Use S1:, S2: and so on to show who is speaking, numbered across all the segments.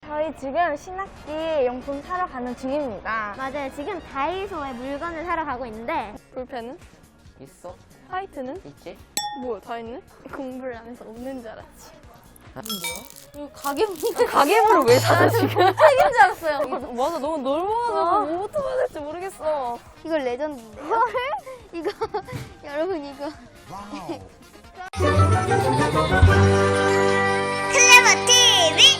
S1: 저희 지금 신학기 용품 사러 가는 중입니다.
S2: 맞아요. 지금 다이소에 물건을 사러 가고 있는데
S1: 볼펜은?
S3: 있어?
S1: 화이트는?
S3: 있지?
S1: 뭐야, 다 있네? 공부를 안 해서 없는 줄 알았지.
S3: 뭐야?
S1: 이거 가게부
S3: 가계부를 왜 사나 지금?
S1: 책인 줄 알았어요. 맞아, 너무 넓어가지고 뭐부터 봐야 될지 모르겠어.
S2: 이거 레전드인데. 이거를? 이거 여러분 이거 클레버 TV.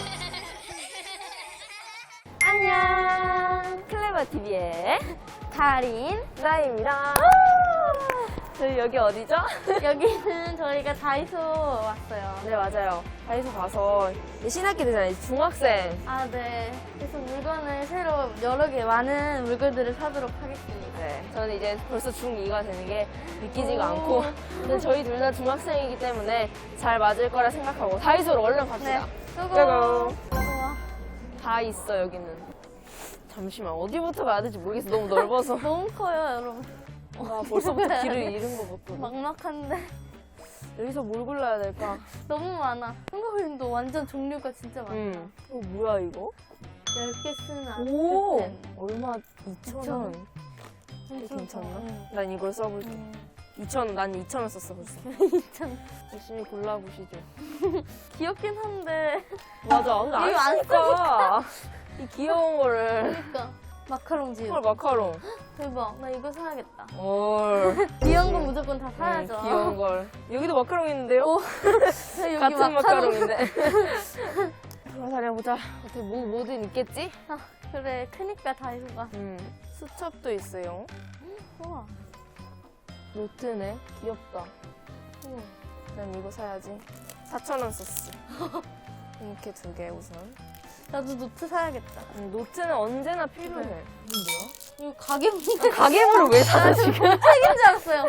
S1: 안녕. 클레버TV의
S2: 달인.
S1: 나입니다. 저희 여기 어디죠?
S2: 여기는 저희가 다이소 왔어요.
S1: 네, 맞아요. 다이소 가서 이제 신학기 되잖아요. 중학생.
S2: 아, 네. 그래서 물건을 새로 여러 개 많은 물건들을 사도록 하겠습니다.
S1: 네, 저는 이제 벌써 중2가 되는 게 믿기지가 않고, 근데 저희 둘 다 중학생이기 때문에 잘 맞을 거라 생각하고 다이소로 얼른 갑시다. 고고. 다 있어, 여기는. 잠시만, 어디부터 가야 될지 모르겠어. 너무 넓어서.
S2: 너무 커요, 여러분.
S1: 와, 벌써부터 길을 잃은 것 같거든.
S2: 막막한데
S1: 여기서 뭘 골라야 될까?
S2: 너무 많아. 한국인도 완전 종류가 진짜 많아.
S1: 뭐야, 이거?
S2: 10개 쓰는
S1: 오!
S2: 아트펜.
S1: 얼마? 2,000원. 괜찮나?
S2: 응.
S1: 난 이걸 써볼게. 2,000원, 난 2,000원 썼어, 벌써.
S2: 2,000원.
S1: 열심히 골라보시죠.
S2: 귀엽긴 한데.
S1: 맞아, 근데
S2: 이거 안
S1: 쓰니까. 이 귀여운 거를.
S2: 그러니까. 마카롱
S1: 헐, 마카롱.
S2: 대박. 나 이거 사야겠다.
S1: 헐.
S2: 귀여운 건 무조건 다 사야죠.
S1: 귀여운 걸. 여기도 마카롱 있는데요?
S2: 오. 여기
S1: 같은 마카롱인데. 돌아다녀보자. 어떻게 뭐든 있겠지?
S2: 아, 그래. 크니까 다이소가.
S1: 수첩도 있어요.
S2: 우와.
S1: 노트네. 귀엽다. 난 이거 사야지. 4,000원 썼어. 이렇게 2개 우선.
S2: 나도 노트 사야겠다.
S1: 노트는 언제나 필요해.
S2: 그래.
S1: 뭐야?
S2: 이거 가게부
S1: 가계부를 왜 사나 지금?
S2: 책인 줄 알았어요.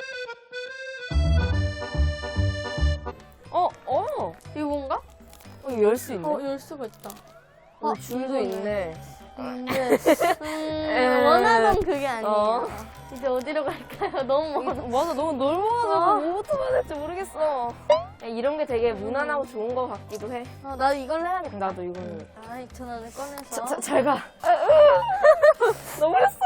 S2: 이거 뭔가?
S1: 이거 열 수 있네.
S2: 열 수가 있다.
S1: 줄도 있네.
S2: 근데 원하던 그게 아니에요. 이제 어디로 갈까요? 너무 멀어.
S1: 맞아, 너무 넓어가지고 뭐부터 봐야 될지 모르겠어. 이런 게 되게 무난하고 좋은 것 같기도 해.
S2: 나도 이걸로 해야겠다.
S1: 나도 이거는.
S2: 2,000원을 꺼내서.
S1: 잘 가. 너무했어.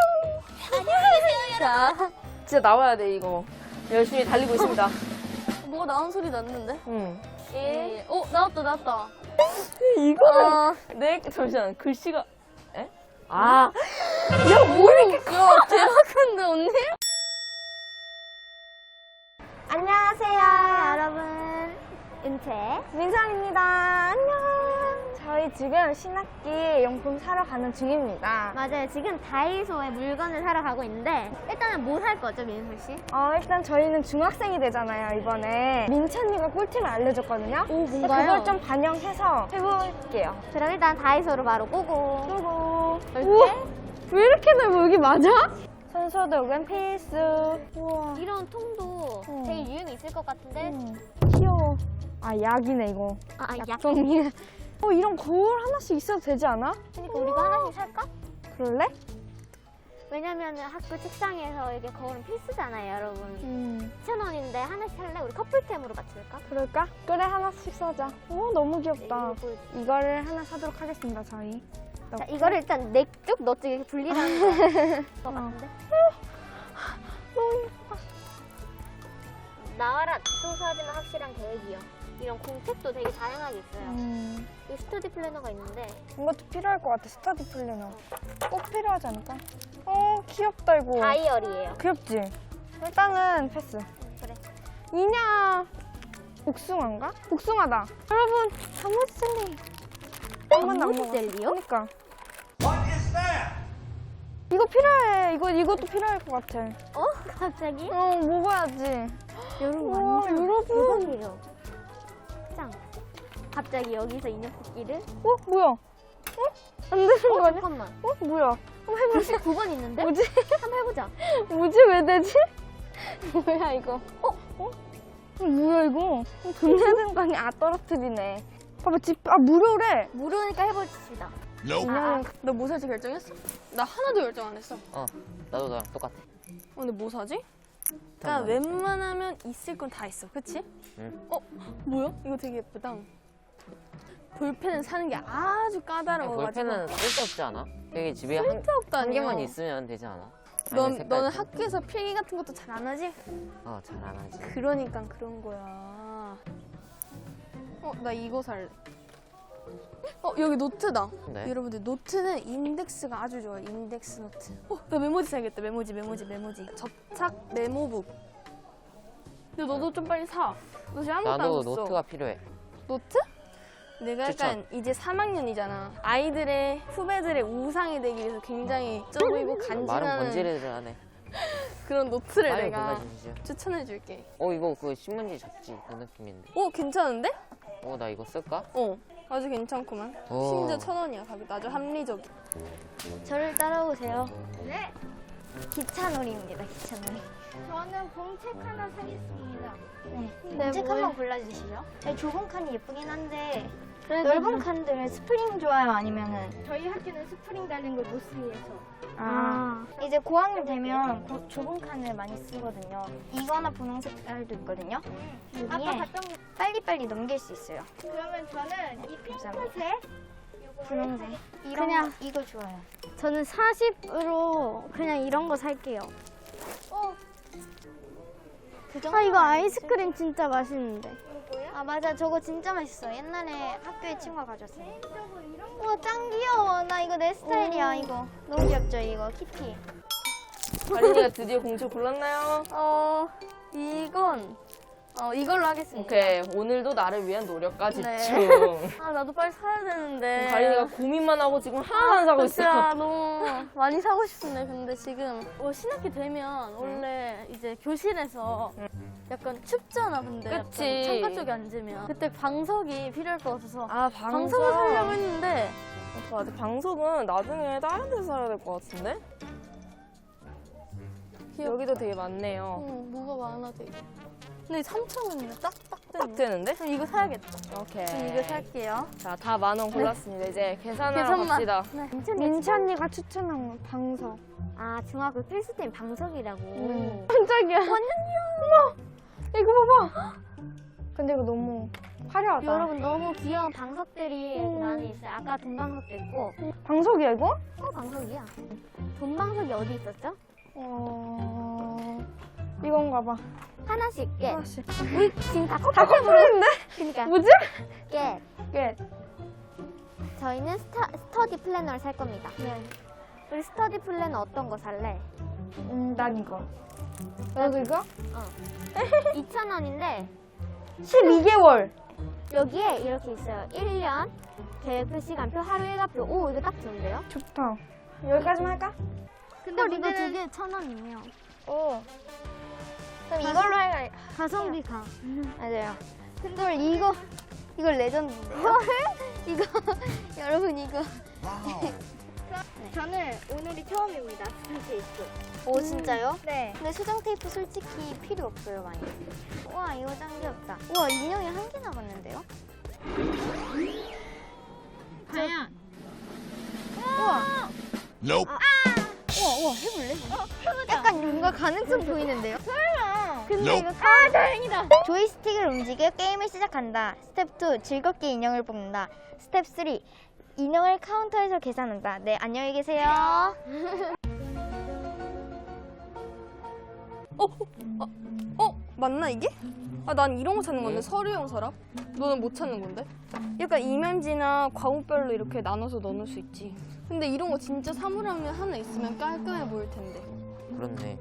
S2: 자,
S1: 진짜 나와야 돼, 이거. 열심히 달리고 있습니다.
S2: 뭐가 나온 소리 났는데?
S1: 응.
S2: 나왔다.
S1: 이거는 잠시만, 글씨가. 에? 야, 뭐 이렇게
S2: 야, 대박 큰데, 언니? 안녕하세요, 여러분. 은채.
S1: 민상입니다. 안녕. 저희 지금 신학기 용품 사러 가는 중입니다.
S2: 맞아요. 지금 다이소에 물건을 사러 가고 있는데 일단은 뭐 살 거죠, 민솔 씨?
S1: 일단 저희는 중학생이 되잖아요, 이번에. 민채 언니가 꿀팁을 알려줬거든요.
S2: 오, 뭔가요?
S1: 그걸 좀 반영해서 해볼게요.
S2: 그럼 일단 다이소로 바로 고고.
S1: 그리고
S2: 우와,
S1: 왜 이렇게 넓어? 여기 맞아? 손소독은 필수. 우와.
S2: 이런 통도 되게 유행이 있을 것 같은데.
S1: 귀여워. 약이네, 이거.
S2: 약.
S1: 종이에. 이런 거울 하나씩 있어도 되지 않아?
S2: 그러니까 우리가 하나씩 살까?
S1: 그럴래?
S2: 왜냐면 학교 책상에서 이게 거울은 필수잖아요, 여러분. 2,000원인데 하나씩 살래? 우리 커플템으로 맞출까?
S1: 그럴까? 그래, 하나씩 사자. 너무 귀엽다.
S2: 이거
S1: 이거를 하나 사도록 하겠습니다, 저희.
S2: 자, 이거를 일단 넥쪽 너쪽 이렇게 분리하는 거 같은데?
S1: 너무 예뻐.
S2: 나와라 소소하지만 확실한 계획이요. 이런 공책도 되게 다양하게 있어요. 이 스터디 플래너가 있는데
S1: 이것도 필요할 것 같아, 스터디 플래너. 꼭 필요하지 않을까? 귀엽다, 이거.
S2: 다이어리예요.
S1: 귀엽지? 일단은 패스.
S2: 그래.
S1: 이냐. 복숭아인가? 복숭아다. 여러분, 단무지 젤리. 한 번도 안 먹어.
S2: 젤리요?
S1: 그러니까. 이거 필요해. 이것도 필요할 것 같아.
S2: 갑자기?
S1: 먹어야지.
S2: 여러분
S1: 우와,
S2: 완전
S1: 여러분.
S2: 대박이에요. 짱. 갑자기 여기서 인형 뽑기를?
S1: 뭐야? 안 되는 거 아니야?
S2: 잠깐만.
S1: 뭐야? 한번 해보자.
S2: 99번 있는데?
S1: 뭐지?
S2: 한번 해보자.
S1: 뭐지? 왜 되지? 뭐야, 이거? 뭐야, 이거? 돈 내야 되는 거 아니야? 떨어뜨리네. 봐봐, 무료래.
S2: 무료니까 해보십시다.
S1: 너 뭐 살지 결정했어? 나 하나도 결정 안 했어.
S3: 나도 너랑 똑같아.
S1: 근데 뭐 사지? 그러니까 웬만하면 있을 건 다 있어, 그치?
S3: 응.
S1: 뭐야? 이거 되게 예쁘다. 볼펜을 사는 게 아주 까다로워가지고.
S3: 볼펜은 쓸데없지 않아? 되게 집에 한
S1: 쓸데없다니요.
S3: 개만 있으면 되지 않아?
S1: 너는 학교에서 필기 같은 것도 잘 안 하지?
S3: 잘 안 하지.
S1: 그러니까 그런 거야. 나 이거 살래. 여기 노트다.
S3: 네.
S1: 여러분들 노트는 인덱스가 아주 좋아요. 인덱스 노트. 나 메모지 사야겠다. 메모지. 접착 메모북. 근데 너도 좀 빨리 사. 너 지금 아무것도 안
S3: 나도
S1: 샀어.
S3: 노트가 필요해.
S1: 노트? 내가 약간 이제 3학년이잖아. 아이들의 후배들의 우상이 되기 위해서 굉장히 쪄 보이고
S3: 말은
S1: 간지나는
S3: 번지르르 하네.
S1: 그런 노트를
S3: 빨리
S1: 내가
S3: 골라주시죠.
S1: 추천해줄게.
S3: 이거 그 신문지 접지 그 느낌인데.
S1: 괜찮은데?
S3: 나 이거 쓸까?
S1: 아주 괜찮구만.
S3: 오.
S1: 심지어 1,000원이야. 가격 아주 합리적이.
S2: 저를 따라오세요. 네. 기차놀이입니다. 기차놀이. 저는 봉책 하나 사겠습니다. 네. 봉책 한번 골라주시죠. 좁은 칸이 예쁘긴 한데 넓은 칸들은 스프링 좋아요? 아니면은 저희 학교는 스프링 달린 걸 못 쓰게 해서. 이제 고학년 되면 좁은 칸을 많이 쓰거든요. 이거나 분홍 색깔도 있거든요. 여기에 빨리빨리 넘길 수 있어요. 그러면 저는 이 핑크색, 분홍색 그냥 이거 좋아요. 저는 40으로 그냥 이런 거 살게요. 이거 아이스크림 진짜 맛있는데. 맞아, 저거 진짜 맛있어. 옛날에 학교에 친구가 가져왔어요. 우와, 짱 귀여워. 나 이거 내 스타일이야. 이거 너무 귀엽죠, 이거 키티.
S1: 가린이가 드디어 공책 골랐나요? 이걸로 하겠습니다.
S3: 네.
S1: 오케이. 오늘도 나를 위한 노력까지
S2: 네.
S1: 중.
S2: 나도 빨리 사야 되는데.
S1: 가린이가 고민만 하고 지금 하나도 안 사고 있어.
S2: 진짜 너무 많이 사고 싶은데 근데 지금 신학기 되면 원래 이제 교실에서 약간 춥잖아. 근데 약간
S1: 그치.
S2: 창가 쪽에 앉으면 그때 방석이 필요할 것 같아서
S1: 방석.
S2: 방석을 사려고 했는데
S1: 맞아. 방석은 나중에 다른 데서 사야 될 것 같은데? 여기도 되게 많네요.
S2: 뭐가 많아 되게. 근데 3,000원이면 딱딱
S1: 딱 되는데?
S2: 그럼 이거 사야겠다.
S1: 오케이.
S2: 그럼 이거 살게요.
S1: 자, 다 10,000원 골랐습니다. 이제 계산하러
S2: 계산만.
S1: 갑시다.
S2: 민채 언니가 추천한 방석. 중학교 필수템 방석이라고.
S1: 깜짝이야.
S2: 이거 봐봐. 근데 이거 너무 화려하다. 여러분 너무 귀여운 방석들이 여기 안에 있어요. 아까 돈 방석도 있고.
S1: 방석이야, 이거?
S2: 방석이야. 돈 방석이 어디 있었죠?
S1: 이건가 봐.
S2: 하나씩 깨.
S1: 하나씩.
S2: 우리 지금 다
S1: 다
S2: 커플템으로.
S1: 커플인데?
S2: 그러니까
S1: 뭐지?
S2: 깨.
S1: 꽤.
S2: 저희는 스터디 플래너를 살 겁니다. 네. 우리 스터디 플래너 어떤 거 살래?
S1: 난 이거. 너도 이거?
S2: 2,000원인데
S1: 12개월.
S2: 여기에 이렇게 있어요. 1년 계획표, 시간표, 하루 일과표. 오, 이거 딱 좋은데요?
S1: 좋다. 여기까지만 할까?
S2: 근데 이거 두 개 1,000원이면.
S4: 그럼 이걸로 할까요?
S2: 가성비 가.
S4: 맞아요. 근데 이거 레전드인데요? 이거 여러분 이거
S2: 저는 오늘이 처음입니다. 스테이프.
S4: 오 진짜요?
S2: 네.
S4: 근데 수정 테이프 솔직히 필요 없어요 많이. 우와 이거 짱 귀엽다. 우와 인형이 한 개 남았는데요?
S2: 과연
S4: 우와 해볼래? 약간 뭔가 가능성 보이는데요?
S2: 근데 이거
S4: 다행이다. 조이스틱을 움직여 게임을 시작한다. 스텝 2 즐겁게 인형을 뽑는다. 스텝 3 인형을 카운터에서 계산한다. 네 안녕히 계세요.
S1: 맞나 이게? 난 이런 거 찾는 건데 서류용 서랍? 너는 못 찾는 건데? 약간 이면지나 과목별로 이렇게 나눠서 넣을 수 있지. 근데 이런 거 진짜 사물함에 하나 있으면 깔끔해 보일 텐데.
S3: 그렇네.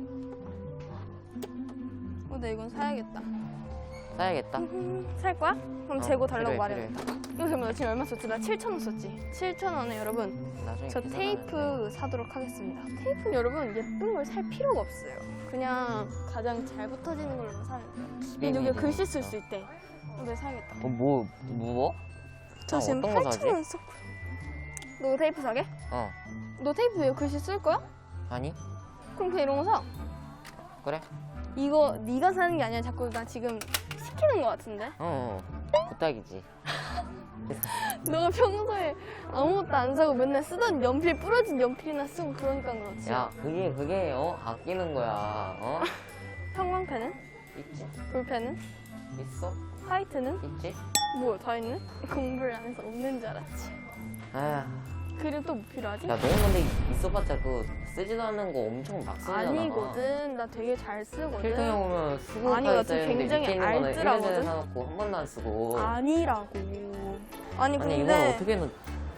S1: 근데 이건 사야겠다.
S3: 사야겠다.
S1: 살 거야? 그럼 재고 달라고
S3: 필요해,
S1: 말해야겠다. 이거 그럼 나 지금 얼마 썼지? 나 7,000원 썼지? 7,000원에 여러분
S3: 나중에
S1: 저
S3: 계산하는데.
S1: 테이프 사도록 하겠습니다. 테이프는 여러분 예쁜 걸 살 필요가 없어요. 그냥 가장 잘 붙어지는 걸로 사면 돼요. 근데 여기 글씨 쓸 수 있대. 네, 사야겠다.
S3: 무워?
S1: 저 지금
S3: 어떤 거 사지?
S1: 8,000원 썼고. 너 테이프 사게? 너 테이프 왜 글씨 쓸 거야?
S3: 아니?
S1: 그럼 그냥 이런 거 사.
S3: 그래?
S1: 이거 네가 사는 게 아니라 자꾸 나 지금 시키는 거 같은데?
S3: 부탁이지.
S1: 너가 평소에 아무것도 안 사고 맨날 쓰던 연필 부러진 연필이나 쓰고 그러니까 그렇지.
S3: 야 그게 아끼는 거야.
S1: 형광펜은?
S3: 있지?
S1: 볼펜은?
S3: 있어?
S1: 화이트는?
S3: 있지?
S1: 뭐야, 다 있네? 공부를 안 해서 없는 줄 알았지.
S3: 아휴.
S1: 그림 또 뭐 필요하지?
S3: 야, 너는 근데 있어봤자 그 쓰지도 않는 거 엄청 막 쓰잖아.
S1: 아니거든. 나 되게 잘 쓰거든.
S3: 필통에 오면 수고
S1: 아니, 나
S3: 까지
S1: 지금
S3: 써있는데
S1: 굉장히
S3: 밑에 있는 거는
S1: 알뜰하거든?
S3: 1년 전에 사놓고 한 번도 안 쓰고.
S1: 아니라고. 아니,
S3: 아니 이걸
S1: 근데.
S3: 어떻게 넣...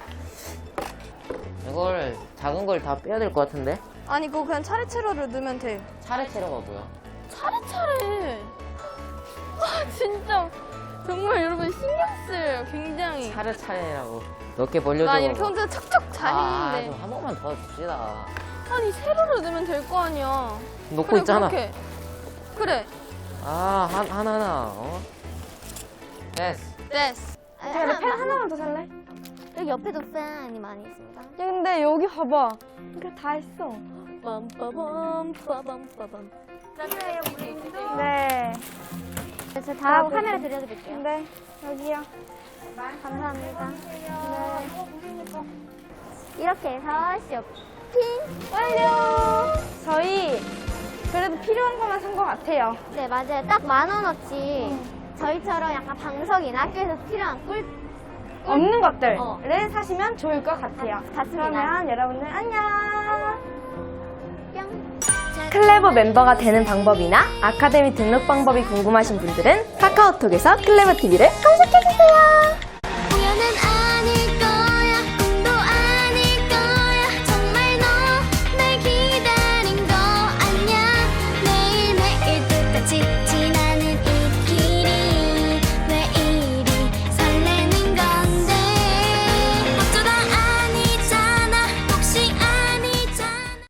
S3: 이걸 작은 걸 다 빼야 될 것 같은데?
S1: 아니, 그거 그냥 차례차례로 넣으면 돼.
S3: 차례차례가 뭐야?
S1: 차례차례. 와, 진짜. 정말 여러분 신경 쓰여요. 굉장히.
S3: 차례차례라고 몇 개 벌려줘.
S1: 나 이렇게 혼자 척척 잘
S3: 좀
S1: 있는데.
S3: 한 번만 더 줍시다.
S1: 아니, 세로로 넣으면 될 거 아니야.
S3: 놓고
S1: 그래,
S3: 있잖아.
S1: 그렇게. 그래.
S3: 하나 어? 됐어.
S1: 됐어.
S2: 야,
S1: 펜 하나만 더 살래?
S2: 여기 옆에도 팬이 많이 있습니다.
S1: 야, 근데 여기 봐봐. 이거 다 했어. 빰빠밤, 빠밤빠밤.
S2: 네. 저 다음 카메라 들려드릴게요.
S1: 네, 여기요.
S2: 감사합니다. 네. 이렇게 해서 쇼핑 완료!
S1: 저희 그래도 필요한 것만 산 것 같아요.
S2: 네, 맞아요. 딱 10,000원어치 저희처럼 약간 방석이나 학교에서 필요한 꿀
S1: 없는 것들을
S2: 어.
S1: 사시면 좋을 것 같아요.
S2: 같습니다.
S1: 그러면 여러분들 안녕.
S2: 뿅!
S1: 클레버 멤버가 되는 방법이나 아카데미 등록 방법이 궁금하신 분들은 카카오톡에서 클레버 TV를 검색해주세요.